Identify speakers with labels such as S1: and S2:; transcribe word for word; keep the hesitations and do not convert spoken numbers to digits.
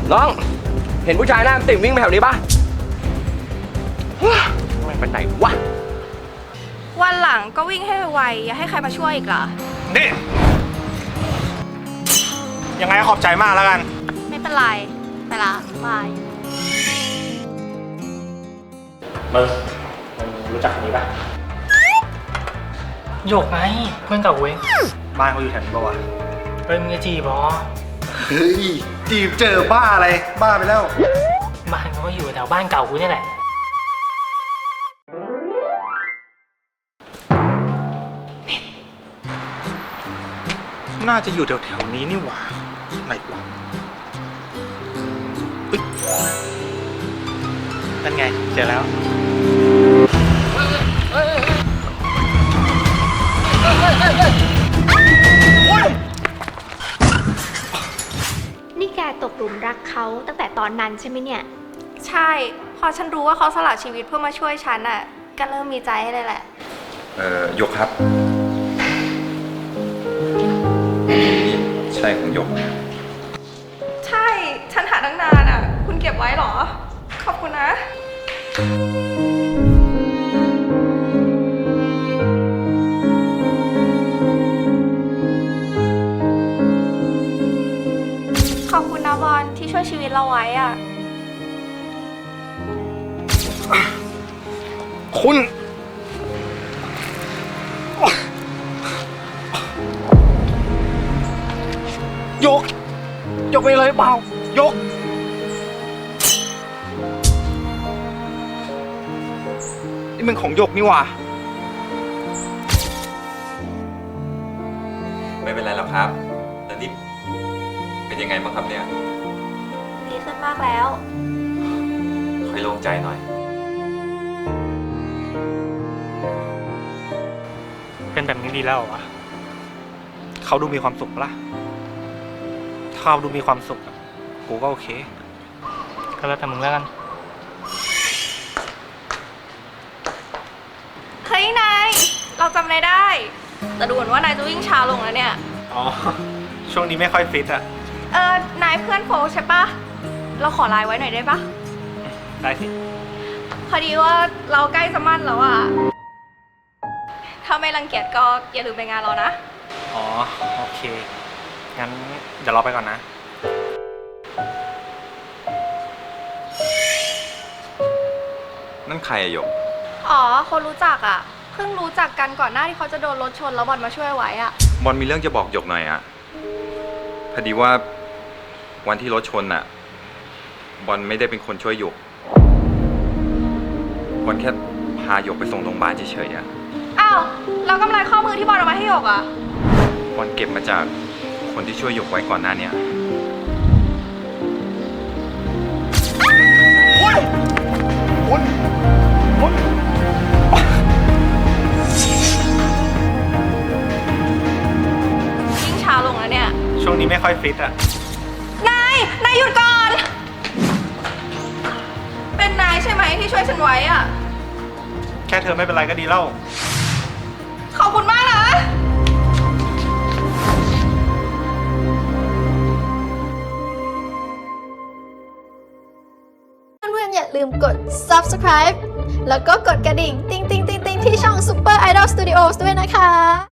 S1: น้องเห็นผู้ชายหน้าติ่งวิ่งไปแถวนี้ปะไม่ไปไหนวะ
S2: วันหลังก็วิ่งให้ไวอย่าให้ใครมาช่วยอีกเหรอ
S3: นี่ยังไงขอบใจมากแล้วกัน
S2: ไม่เป็นไรไปละบาย
S3: มึงรู้จักคนนี้ปะ
S4: โยกไงเพื่อนเก่าเว้ย
S3: บ้านเขาอยู่แถวนี้ปะวะ
S4: เฮ้ยมึงจะจีบอ
S3: เฮ้ยจีบเจอบ้าอะไรบ้าไปแล้ว
S4: บ้านเขาก็อยู่แถวบ้านเก่ากูนี่แหละ
S3: น่าจะอยู่แถวๆนี้นี่หว่าไหนวะนั่นไงเจอแล้ว
S5: นี่แกตกหลุมรักเขาตั้งแต่ตอนนั้นใช่ไหมเนี่ย
S2: ใช่พอฉันรู้ว่าเขาสละชีวิตเพื่อมาช่วยฉันอ่ะก็เริ่มมีใจให้เลยแหละ
S6: เอ่อยกครับใช่ของยก
S2: ใช่ฉันหาตั้งนานอ่ะคุณเก็บไว้หรอขอบคุณนะขอบคุณนะบอลที่ช่วยชีวิตเราไว้อ่ะ
S3: คุณยกยกไปเลยเปล่ายกนี่มันของยกนี่หว่า
S6: ไม่เป็นไรหรอกครับแล้วนี่เป็นยังไงบ้างครับเนี่ย
S2: ดีขึ้นมากแล้ว
S6: ค่อยโล่งใจหน่อย
S3: เป็นแบบนี้ดีแล้ววะเขาดูมีความสุขละถ้าเขาดูมีความสุขกูก็โอเค
S4: ก็แล้วแต่มึงแล้วกัน
S2: เฮ้ยนายเราจำนายได้แต่ดูเหมือนว่านายจะวิ่งช้าลงแล้วเนี่ย
S3: อ๋อช่วงนี้ไม่ค่อยฟิตอะ
S2: เออนายเพื่อนโฟใช่ปะเราขอไลน์ไว้หน่อยได้ปะ
S3: ได้สิ
S2: พอดีว่าเราใกล้จะมั่นแล้วอะถ้าไม่รังเกียจก็อย่าลืมไปงานเรานะ
S3: อ๋อโอเคงั้นเดี๋ยวเราไปก่อนนะ
S6: นั่นใครอะหยก
S2: อ๋อคนรู้จักอะเพิ่งรู้จักกันก่อนหน้าที่เขาจะโดนรถชนแล้วบอลมาช่วยไว้อะ
S6: บอลมีเรื่องจะบอกหยกหน่อยอะพอดีว่าวันที่รถชนอะบอลไม่ได้เป็นคนช่วยหยกบอลแค่พาหยกไปส่งโรงพยาบาลเฉยๆอะ
S2: อ้าวแล้วกำไรข้อมือที่บอลเอามาให้หยกอะ
S6: บอลเก็บมาจากคนที่ช่วยหยกไว้ก่อนหน้านี้
S3: คุณคุณคุณ
S2: ยิ่งช้าลงแล้วเนี่ย
S3: ช่วงนี้ไม่ค่อยฟิตอะ
S2: นายนายหยุดก่อนเป็นนายใช่ไหมที่ช่วยฉันไว้อะ
S3: แค่เธอไม่เป็นไรก็ดีแล้ว
S2: ขอบคุณมากนะ
S5: เพื่อนๆอย่าลืมกด ซับสไครบ์ แล้วก็กดกระดิ่ง ติ๊งติ๊งติ๊งติ๊งที่ช่อง Super Idol Studios ด้วยนะคะ